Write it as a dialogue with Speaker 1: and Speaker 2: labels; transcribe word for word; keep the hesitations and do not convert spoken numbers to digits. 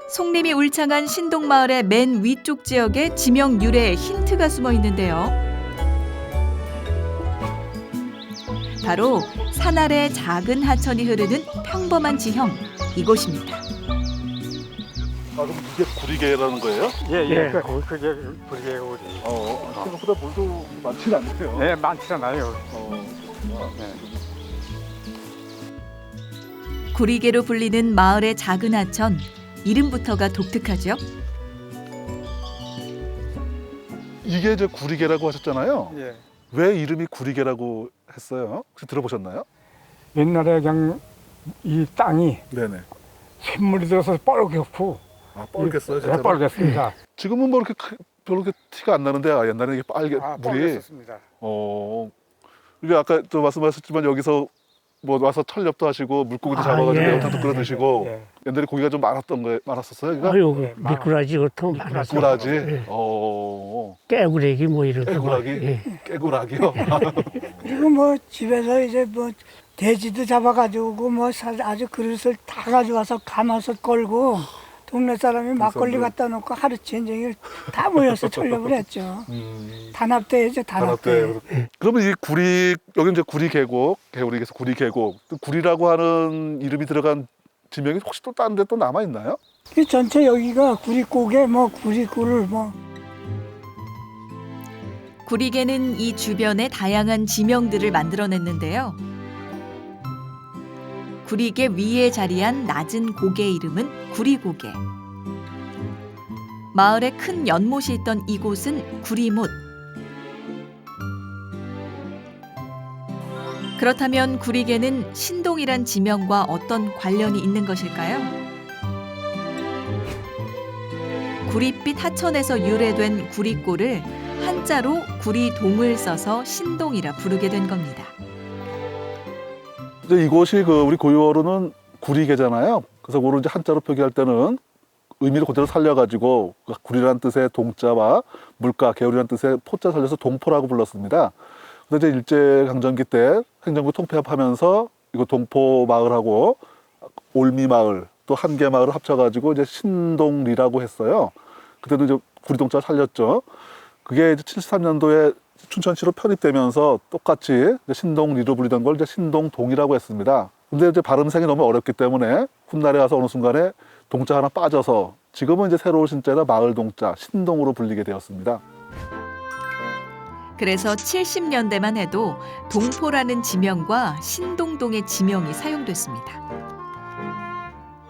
Speaker 1: 송림이 울창한 신동마을의 맨 위쪽 지역에 지명 유래의 힌트가 숨어 있는데요. 바로 산 아래 작은 하천이 흐르는 평범한 지형, 이곳입니다.
Speaker 2: 아, 그럼 이게 구리개라는 거예요?
Speaker 3: 예, 예, 그, 그게 그게 우리.
Speaker 2: 어, 생각보다 물도 많지는 않네요.
Speaker 3: 네, 많지 않아요.
Speaker 2: 어,
Speaker 3: 네.
Speaker 1: 구리개로 불리는 마을의 작은 하천, 이름부터가 독특하죠.
Speaker 2: 이게 이제 구리개라고 하셨잖아요.
Speaker 3: 예.
Speaker 2: 왜 이름이 구리개라고 했어요? 혹시 들어보셨나요?
Speaker 3: 옛날에 그냥 이 땅이
Speaker 2: 네네.
Speaker 3: 샘물이 들어서 뻘겋고.
Speaker 2: 아, 뻘겠어요,
Speaker 3: 예,
Speaker 2: 진짜로?
Speaker 3: 뻘겋습니다.
Speaker 2: 지금은 뭐 이렇게 크- 별로 이렇게 티가 안 나는데 아, 옛날에 이게 빨개
Speaker 3: 아,
Speaker 2: 물이.
Speaker 3: 뻘겋습니다.
Speaker 2: 어, 이게 아까 또 말씀하셨지만 여기서 뭐 와서 철렵도 하시고 물고기도
Speaker 4: 아,
Speaker 2: 잡아가지고
Speaker 4: 예.
Speaker 2: 매운탕도 끓여 드시고
Speaker 3: 예.
Speaker 2: 옛날에 고기가 좀 많았던 거 많았었어요. 그러니까
Speaker 4: 아유,
Speaker 3: 예,
Speaker 4: 미꾸라지 같은 거 많았어.
Speaker 2: 구라지,
Speaker 4: 예.
Speaker 2: 어,
Speaker 4: 깨구레기 뭐 이런 거.
Speaker 2: 깨구라기,
Speaker 4: 예.
Speaker 2: 깨구라기요.
Speaker 5: 그리고 뭐 집에서 이제 뭐 돼지도 잡아가지고 뭐 사- 아주 그릇을 다 가져와서 감아서 걸고 동네 사람이 막걸리 갖다 놓고 하루 전쟁을 다 모여서 철렵을 했죠.
Speaker 2: 음,
Speaker 5: 단합대회죠, 단합대.
Speaker 2: 단합대. 그러면 이 구리 여기 이제 구리 계곡, 개구리에서 구리 계곡, 또 구리라고 하는 이름이 들어간 지명이 혹시 또 다른 데 또 남아 있나요?
Speaker 5: 그 전체 여기가 구리고개 뭐 구리굴을 뭐
Speaker 1: 구리개는 이 주변에 다양한 지명들을 만들어냈는데요. 구리개 위에 자리한 낮은 고개 이름은 구리고개. 마을에 큰 연못이 있던 이곳은 구리못. 그렇다면 구리개는 신동이란 지명과 어떤 관련이 있는 것일까요? 구릿빛 하천에서 유래된 구리골을 한자로 구리동을 써서 신동이라 부르게 된 겁니다.
Speaker 2: 이제 이곳이 그 우리 고유어로는 구리개잖아요. 그래서 그걸 이제 한자로 표기할 때는 의미를 그대로 살려가지고 그 구리라는 뜻의 동자와 물가, 개울이라는 뜻의 포자 살려서 동포라고 불렀습니다. 근데 이제 일제강점기 때 행정부 통폐합하면서 이거 동포 마을하고 올미마을 또 한계마을을 합쳐가지고 이제 신동리라고 했어요. 그때도 이제 구리동자 살렸죠. 그게 이제 칠십삼 년도에 춘천시로 편입되면서 똑같이 이제 신동리로 불리던 걸 이제 신동동이라고 했습니다. 근데 이제 발음생이 너무 어렵기 때문에 훗날에 가서 어느 순간에 동자 하나 빠져서 지금은 이제 새로운 신자나 마을 동자 신동으로 불리게 되었습니다.
Speaker 1: 그래서 칠십 년대만 해도 동포라는 지명과 신동동의 지명이 사용됐습니다.